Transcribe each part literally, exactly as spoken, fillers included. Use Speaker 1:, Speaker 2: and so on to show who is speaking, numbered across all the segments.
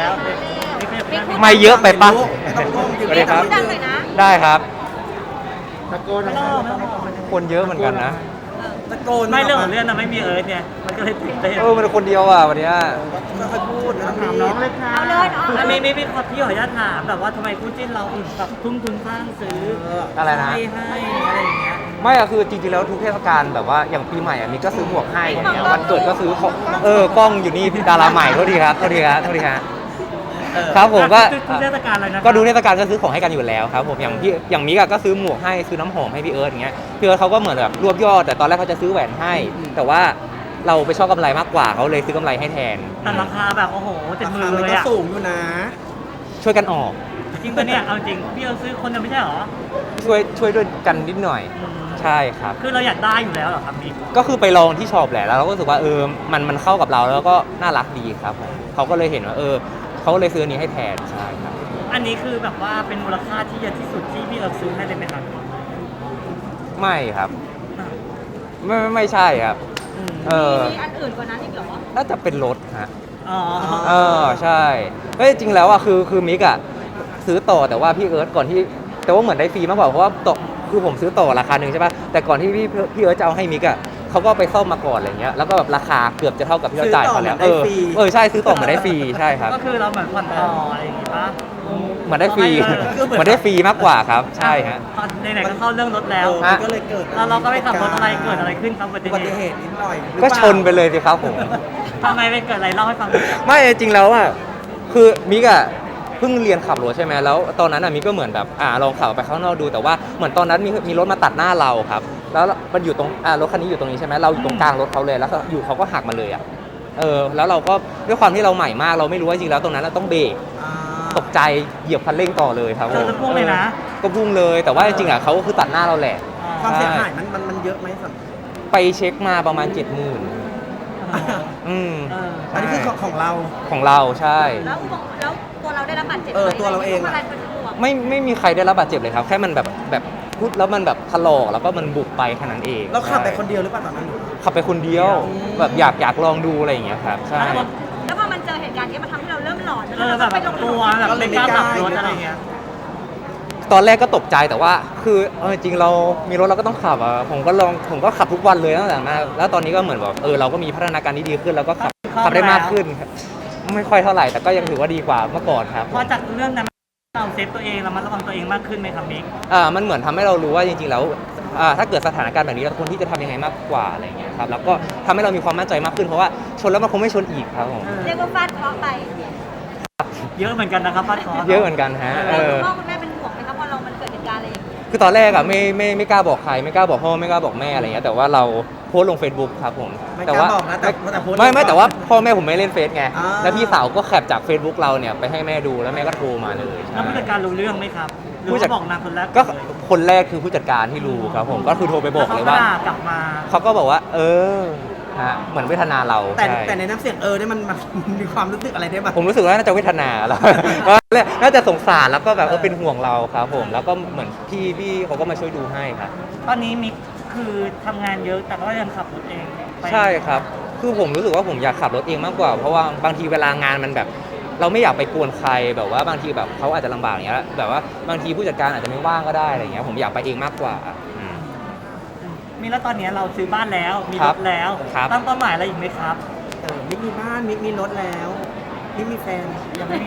Speaker 1: แล้ว
Speaker 2: ไม่เยอะไปปะ
Speaker 3: สวัสดีครับดังหน่อยนะ
Speaker 2: ได้ครับ
Speaker 1: ตะโกน
Speaker 4: ไม่ต้องไม่ต้อง
Speaker 2: คนเยอะเหมือนกันนะ
Speaker 1: ตะโกน
Speaker 4: ไม่เรื่องของเรื่องนะไม่มีเอิร์ธเนี่ยมันก็เลยตื่นเต้น
Speaker 2: เออมันคนเดียวอ่ะวันเนี้ย
Speaker 1: ไม่ค่อยพูดนะถามน้องเลยค่ะ
Speaker 3: เอาเลยเนาะ
Speaker 4: อันนี้ไม่พี่ขอพี่ขออนุญาตถามแบบว่าทำไมคู่จิ้นเราถึงแบบทุ่มทุนสร้างซื้อ
Speaker 2: อะไรนะ
Speaker 4: ให้ให้อะไรอย่างเงี้ย
Speaker 2: ไม่อะคือจริงๆแล้วทุกเทศกาลแบบว่าอย่างปีใหม่อะมีก็ซื้อหมวกให้อย่างเงี้ยวันเกิดก็ซื้อของเออกล้องอยู่นี่ดาราใหม่เท่าทีครับเท่าทีครับเท่าทีครับครับผมก็
Speaker 4: ทุกเทศกาลเลยนะ
Speaker 2: ก็ดูเทศกาลก็ซื้อของให้กันอยู่แล้วครับผมอย่างพี่อย่างมิกอะก็ซื้อหมวกให้ซื้อน้ำหอมให้พี่เอิร์ธอย่างเงี้ยพี่เอิร์ธเขาก็เหมือนแบบรวบยอดแต่ตอนแรกเขาจะซื้อแหวนให้ แต่ว่าเราไปชอบกำไรมากกว่าเขาเลยซื้อกำไรให้แทน
Speaker 4: แต่ราคาแบบโอ้โหเจ็ด
Speaker 1: รา
Speaker 4: หมื่
Speaker 1: คาน มัน
Speaker 4: เลย
Speaker 1: ก็
Speaker 4: อะ
Speaker 1: สูงอยู่นะ
Speaker 2: ช่วยกันออก
Speaker 4: จริงปะเนี่ยเอาจริงพี่เอิร์ธซื้อคนเดียวไม่ใช่เหรอ
Speaker 2: ช่วยช่วยด้วยกันนิดหน่อยใช่ครับ
Speaker 4: คือเราอยากได้อยู่แล้วเหรอครับมิก
Speaker 2: ก็คือไปลองที่ช็อปแหละแล้วเราก็รู้สึกว่าเออมันมันเข้ากับเราแล้วก็น่ารักดีครับผมเขาก็เลยเห็นว่าเออเขาก็เลยซื้ออันนี้ให้แทนใช่ครับ
Speaker 4: อันนี้คือแบบว่าเป็นมูลค่าที่เยอะที่สุดที่พี่เอิร์ธซื้อให้เลยไหมครับ
Speaker 2: ไม่ครับไม่ไม่ไม่ใช่ครับเออ
Speaker 3: มีอันอื่นกว่านั้นอีกเหรอ
Speaker 2: น่าจะเป็นรถฮะ
Speaker 4: อ๋อ
Speaker 2: เออใช่เฮ้ยจริงแล้วอ่ะคือคือมิกอ่ะซื้อต่อแต่ว่าพี่เอิร์ธก่อนที่แต่ว่าเหมือนได้ฟรีมากกว่าเพราะว่าต่อคือผมซื้อต่อราคาหนึ่งใช่ป่ะแต่ก่อนที่พี่พี่เอิร์ธจะเอาให้มิกอ่ะเขาก็ไปซ่อมมาก่อนอะไรเงี้ยแล้วก็แบบราคาเกือบจะเท่ากับที่เราจ่ายเขาแล้วเออเออใช่ซื้อต่อเหมือนได้ฟรีใช่ครับ
Speaker 4: ก็คือเราเหมือนผ่อนต่ออะไรอย่างงี้ปะ
Speaker 2: เหมือนได้ฟรีเหมือนได้ฟรีมากกว่าครับใช่ฮะ
Speaker 4: ตอนไหนๆก็เข้าเรื่องรถแล้ว
Speaker 1: เออมันก็เลยเกิด
Speaker 4: แล้วเราก็ไปขับรถอะไรเกิดอะไรขึ้นครับอุบัติ
Speaker 1: อุบัติ
Speaker 4: เห
Speaker 1: เห
Speaker 4: ตุ
Speaker 1: ตุนิดหน่อยหรือ
Speaker 2: ก็
Speaker 1: เปล่า
Speaker 2: ชนไปเลยสิครับผม
Speaker 4: ทำไมไปเกิดอะไรเล่าให้ฟังหน่อย
Speaker 2: ไม่จริงแล้วอ่ะคือมิกอ่ะเพิ่งเรียนขับรถใช่ไหมแล้วตอนนั้นอ่ะมิกก็เหมือนแบบอ่าลองขับไปข้างนอกดูแต่ว่าเหมือนตอนนั้นมีมีรถมาตัดหน้าเราครับแล้วมันอยู่ตรงอ่ารถคันนี้อยู่ตรงนี้ใช่ไหมเราอยู่ตรงกลางรถเขาเลยแล้วก็อยู่เขาก็หักมาเลยอ่ะเออแล้วเราก็ด้วยความที่เราใหม่มากเราไม่รู้ว่าจริงแล้วตรงนั้นเราต้องเบรก
Speaker 1: อ่า
Speaker 2: ตกใจเหยียบคันเร่งต่อเลยครับ
Speaker 4: เจอจะพุ่งเลยนะ
Speaker 2: ก็พุ่งเลยแต่ว่าจริงๆอ่ะเขาก็คือตัดหน้าเราแหละ
Speaker 1: ความเสียหายมันมันมันเยอะไหมสัม
Speaker 2: ไปเช็คมาประมาณเจ็ดหมื่นอืม
Speaker 4: เออ
Speaker 1: อันนี้คือของของเรา
Speaker 2: ของเราใช่
Speaker 3: แล้วแล้วตัวเราได้รับบาดเจ็บ
Speaker 1: เออตัวเราเองอะ
Speaker 3: อะไรเป็นห่วง
Speaker 2: ไม่ไม่มีใครได้รับบาดเจ็บเลยครับ แค่มันแบบแบบพุดแล้วมันแบบถลอกแล้วก็มันบุบไปแค่นั้นเอง
Speaker 1: เราขับไปคน
Speaker 2: ใช่
Speaker 1: เดียวหรือเปล่าตอนนั้น
Speaker 2: ขับไปคนเดียว
Speaker 1: อืม
Speaker 2: แบบอยากอยากลองดูอะไรอย่างเงี้ยครับใช่
Speaker 3: แล้วพอมันเจอเหตุการณ์นี้มันทำให้เราเริ่มหลอน
Speaker 4: เออแบบกลัวแบบไม่กล้าขับรถอะไรเงี้ย
Speaker 2: ตอนแรกก็ตกใจแต่ว่าคือเออจริงเรามีรถเราก็ต้องขับอ่ะผมก็ลองผมก็ขับทุกวันเลยตั้งแต่มาแล้วตอนนี้ก็เหมือนแบบเออเราก็มีพัฒนาการที่ดีขึ้นแล้วก็ขับขับได้มากขึ้นครับไม่ค่อยเท่าไหร่แต่ก็ยังถือว่าดีกว่าเมื่อก่อนครับ
Speaker 4: พอจากเรื่องนั้นเราเซฟตัวเองเรามาระวังตัวเองมากขึ้นไหมครับมิก
Speaker 2: อ่ามันเหมือนทำให้เรารู้ว่าจริงๆแล้วอ่าถ้าเกิดสถานการณ์แบบนี้เราควรที่จะทำยังไงมากกว่าอะไรอย่างเงี้ยครับแล้วก็ทำให้เรามีความมั่นใจมากขึ้นเพราะว่าชนแล้วมันคงไม่ชนอีกครับผม
Speaker 3: เรียกว่าฟาดเคราะห์ไป
Speaker 4: เยอะเหมือนกันนะครับฟาดคอ
Speaker 2: เยอะเหมือนกันฮะเอ
Speaker 3: แล้ว
Speaker 2: อ
Speaker 3: คุณพ่อคุณแม่เป็นห่วงไหมครับพอเรามันเกิดเหตุการณ์อะไรอย่างนี้
Speaker 2: คือตอนแรกอะไม่ไม่ไม่กล้าบอกใครไม่กล้าบอกพ่อไม่กล้าบอกแม่อะไรเงี้ยแต่ว่าเราโพสต์ลง Facebook ครับผม
Speaker 1: ไม่
Speaker 2: แต่
Speaker 1: กล้า
Speaker 2: ว่า
Speaker 1: บอกนะแต่แต่โพสต์
Speaker 2: ไม่ไม่
Speaker 1: ลง
Speaker 2: แต่ว่าพ่อแม่ผมไม่เล่นเฟซไง
Speaker 1: อ่า
Speaker 2: แล้วพี่สาวก็แคปจาก Facebook เราเนี่ยไปให้แม่ดูแล้วแม่ก็โทรมาเลย
Speaker 4: แล้วผู้จัดการรู้เรื่องไหมครับหรือ
Speaker 2: ผู้จัด
Speaker 4: ว่าบอกนางคนแรก
Speaker 2: ก็คนแรกคือผู้จัดการที่รู้ครับผมก็คือโทรไปบอกเลยว่า
Speaker 4: แขด่กลับมา
Speaker 2: เขาก็บอกว่า เออฮะเหมือนเวทนาเรา
Speaker 1: แต่
Speaker 2: ใช่
Speaker 1: แต่ในน้ำเสียงเออเนี่ยมันมันมีความรู้สึกอะไรได้บ้าง
Speaker 2: ผมรู้สึกว่าน่าจะเวทนาแล้ว น่าจะสงสารแล้วก็แบบเออเป็นห่วงเราครับผมแล้วก็เหมือนพี่พี่เขาก็มาช่วยดูให้ครับ
Speaker 4: ตอนนี้มิกคือทำงานเยอะแต่ก็ยังขับรถเองไป
Speaker 2: ใช่ครับ คือผมรู้สึกว่าผมอยากขับรถเองมากกว่า เพราะว่าบางทีเวลางานมันแบบ เราไม่อยากไปกวนใครแบบว่าบางทีแบบเขาอาจจะลำบากอย่างเงี้ยแบบว่าบางทีผู้จัดการอาจจะไม่ว่างก็ได้อะไรเงี้ยผมอยากไปเองมากกว่าอืม
Speaker 4: มีแล้วตอนนี้เราซื้อบ้านแล้วมี
Speaker 2: ค
Speaker 4: ร
Speaker 2: รับ
Speaker 4: ถแล้ว
Speaker 2: ครับ
Speaker 4: ตั้งเป้าหมายอะไรอีกไหมครับ
Speaker 1: เออมิกมีบ้านมิกมีรถแล้วมิกมีแฟน
Speaker 4: ยังไม่มี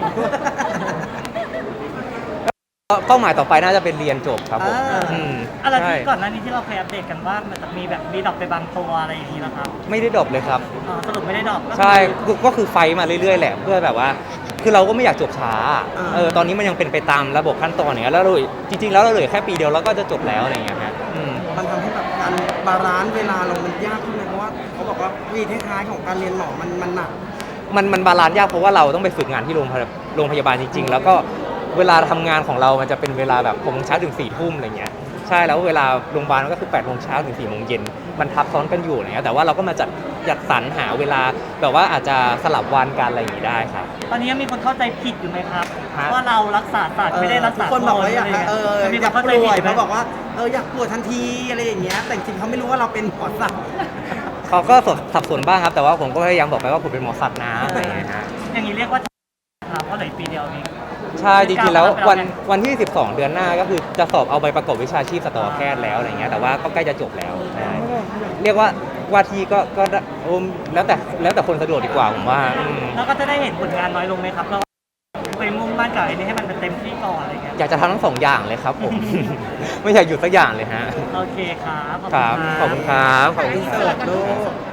Speaker 2: เป้าหมายต่อไปน่าจะเป็นเรียนจบครับผม
Speaker 1: อ่า
Speaker 2: อืม
Speaker 4: อะไร
Speaker 2: ใช่
Speaker 4: ที่ก่อนหน้านี้ที่เราเคยอัปเดตกันว่ามันจะมีแบบมีดรอปไปบางตัวอะไรอย่างนี้นะครับ
Speaker 2: ไม่ได้ดรอปเลยครับ
Speaker 4: อ๋อสรุปไม่ได้ดรอปก็คือ
Speaker 2: ใช่ก็ก็คือไฟท์มาเรื่อยๆแหละเพื่อแบบว่า คือเราก็ไม่อยากจบช้า
Speaker 1: อ่า
Speaker 2: เออตอนนี้มันยังเป็นไปตามระบบขั้นตอนอย่างเงี้ยแล้วเราจริงๆแล้วเราเหลือแค่ปีเดียวแล้วก็จะจบแล้วอะไรอย่างเงี้ยฮะอืม
Speaker 1: มันทำให้แบบการบาลานซ์เวลาเรามันยากขึ้นไหมเพราะว่าเขาบอกว่าวีท้ายๆของการเรียนหมอมันมันหนัก
Speaker 2: มันมันบาลานซ์ยากเพราะว่าเราต้องไปฝึกงานที่โรงพยาโรงพยาบาลจริง ๆ แล้วก็เวลาทำงานของเรามันจะเป็นเวลาแบบหกโมงเช้าถึงสี่ทุ่มอะไรเงี้ยใช่แล้วเวลาโรงพยาบาลมันก็คือแปดโมงเช้าถึงสี่โมงเย็นมันทับซ้อนกันอยู่อะไรเงี้ยแต่ว่าเราก็มาจัดจัดสรรหาเวลาแบบว่าอาจจะสลับวันกันอะไรอย่างงี้ได้ครับ
Speaker 4: ตอนนี้ยังมีคนเข้าใจผิดอยู่ไหมครับ
Speaker 2: ฮะ
Speaker 4: ว่าเรารักษาศาสตร์ไม่ได้รักษา
Speaker 1: ทุกคนบอกว่าอยาก
Speaker 4: ะไร
Speaker 1: เออ
Speaker 4: มี
Speaker 1: อ
Speaker 4: ค
Speaker 1: ยาน ก
Speaker 4: เข้าใจ
Speaker 1: ป่
Speaker 4: ผิ
Speaker 1: ว
Speaker 4: ด
Speaker 1: ย
Speaker 4: ไหม
Speaker 1: เขาบอกว่าเอออยากป่วยทันทีอะไรอย่างเงี้ยแต่จริงๆเขาไม่รู้ว่าเราเป็นหมอสัตว์
Speaker 2: เขาก็สับสนบ้างครับแต่ว่าผมก็พยายามบอกไปว่าผมเป็นหมอสัตว์นะอะไรอย่างเงี้ยฮะ
Speaker 4: อย่างนี้เรียกว่าครับเพราะเหลืออีกปีเดียวเอง
Speaker 2: ใช่จริงๆแล้ววันวันที่สิบสองเดือนหน้าก็คือจะสอบเอาใบประกอบวิชาชีพสัตวแพทย์แล้วอะไรเงี้ยแต่ว่าก็ใกล้จะจบแล้วใช่เรียกว่าว่าที่ก็ก็ได้โอ้มแล้วแต่แล้วแต่คนสะดวกดีกว่าผมว่าอืม
Speaker 4: แล้วก็จะได้เห็นผลงานน้อยลงไหมครับเราไปมุ่งมั่นกับไอ้นี่ให้มันเป็นเต็มที่ก่อนอะไรเงี้ย
Speaker 2: อยากจะทำทั้งสองอย่างเลยครับผม ไม่อยากหยุดสักอย่างเลยฮะ
Speaker 4: โอเคครับขอบ
Speaker 2: ค
Speaker 4: คุณ
Speaker 2: รับ
Speaker 4: ครับ
Speaker 2: ขอบคุณครับขอบคุณ
Speaker 1: เสิร์ฟลูก